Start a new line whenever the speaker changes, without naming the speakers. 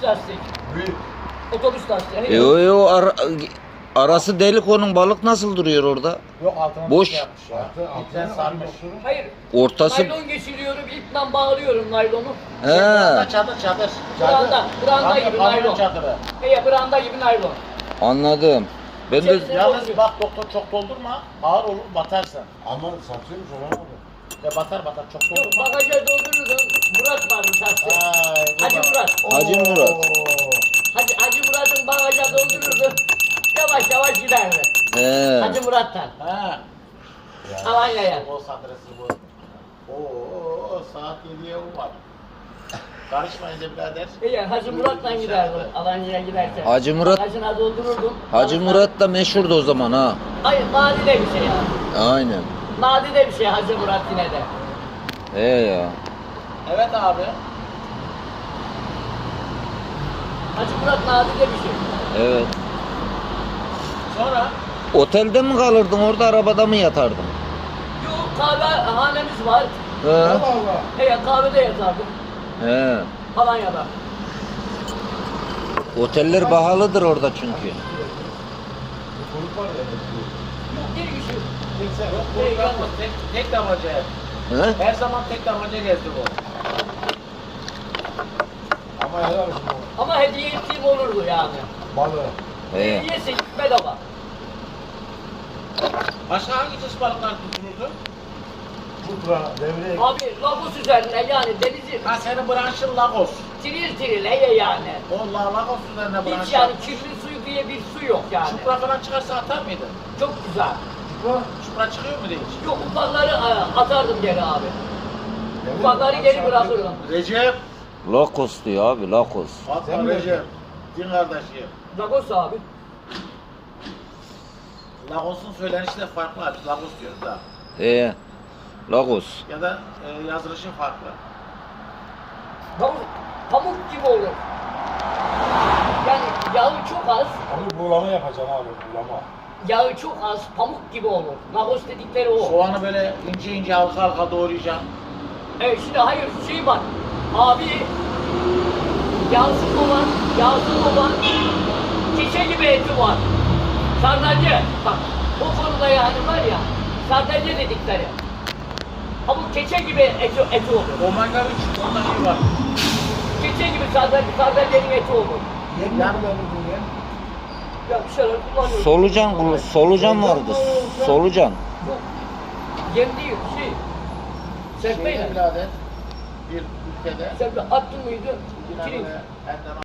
lastik.
Büyük.
Otobüs lastiği.
Yo arası delik, onun balık nasıl duruyor orada?
Yok altına
Boş.
bir şey yapmış ya. İpten sarmış.
Hayır.
Ortası
Naylon geçiriyorum, iple bağlıyorum naylonu.
he.
Çadır.
Branda gibi naylon.
Çadırı.
Branda gibi naylon.
Anladım. Ben de
Yalnız bak doktor, çok doldurma. Ağır olur, batarsın.
Ama satıyormuş ona abi.
Ya batar çok
Yok,
doldurma.
bagaja doldururdum. Murat varmış hasta. Hacı Murat.
Hacı Murat.
Hacı Murat'ın bagaja doldururdu. Yavaş yavaş giderdi.
He.
Hacı Murat'tan.
Ha.
Alanya'ya.
O adresi bu. Oo, saat 7'ye var. Karışmayınca birader.
Hacı Murat'tan giderdim Alanya'ya giderken.
Hacı Murat-
Bagajına doldururdum.
Hacı Murat da meşhurdu o zaman ha.
Hayır, nadide bir şey ya.
Aynen.
Nadide bir şey Hacı Murat yine de.
He ya.
Evet abi.
Hacı Murat nadide bir şey.
Evet.
Sonra
Otelde mi kalırdın, orada arabada mı yatardın?
Yok, kahvehanemiz var.
He.
Allah Allah.
Kahvede yatardım.
He.
Alanya'da.
Oteller pahalıdır orada çünkü.
Çocuk var ya.
Yok, bir kişi.
yok bu kalma, tek damaca.
He?
Her zaman tek damaca gezdi bu.
Ama helal olsun o.
Ama hediye ettiğim olurdu yani.
Balığı.
He.
Hediyesi bedava.
Başka hangi çeşit balıklar tutulurdu?
Putra, devrek.
Abi Lagos üzerine yani denizi
Ha senin branşın Lagos.
tiril yani.
O Lagos üzerine branş.
Hiç yani kirli suyu diye bir su yok yani.
Çupra falan çıkarsa atar mıydın?
Çok güzel.
Putra.
Çupra çıkıyor mu hiç?
Yok, ufakları atardım geri abi. Ufakları geri bırakırdım.
Recep.
Lakos diyor abi, Lakos.
Fatma Recep. Din kardeşi.
Lagos abi.
Lagos'un söylenişi de farklı abi. Lagos diyoruz da.
He. Lakos.
Ya da yazılışı farklı.
Pamuk gibi olur. Yani yağı çok az.
Abi buğulama yapacaksın abi, buğulama.
Yağı çok az, pamuk gibi olur. Lagos dedikleri o.
Soğanı böyle ince ince halka halka doğrayacaksın.
Evet, şimdi hayır şey var. Abi yağsız olan keçe gibi eti var. Sardalya, bak o konuda yani var ya, sardalya dedikleri. Pamuk keçe gibi eti olur.
Omega 3 ondan iyi var.
Keçe gibi sardalyanın eti olur.
Yem
Yani-
mi kullanırdın ya?
Ya bir şeyler kullanıyorum.
Solucan vardı. Solucan.
Yok. Yem değil, şey. Serpmeyle.
Şeyde birader bir ülkede
Serpme attın mıydı?
yine
Kirin.
böyle elden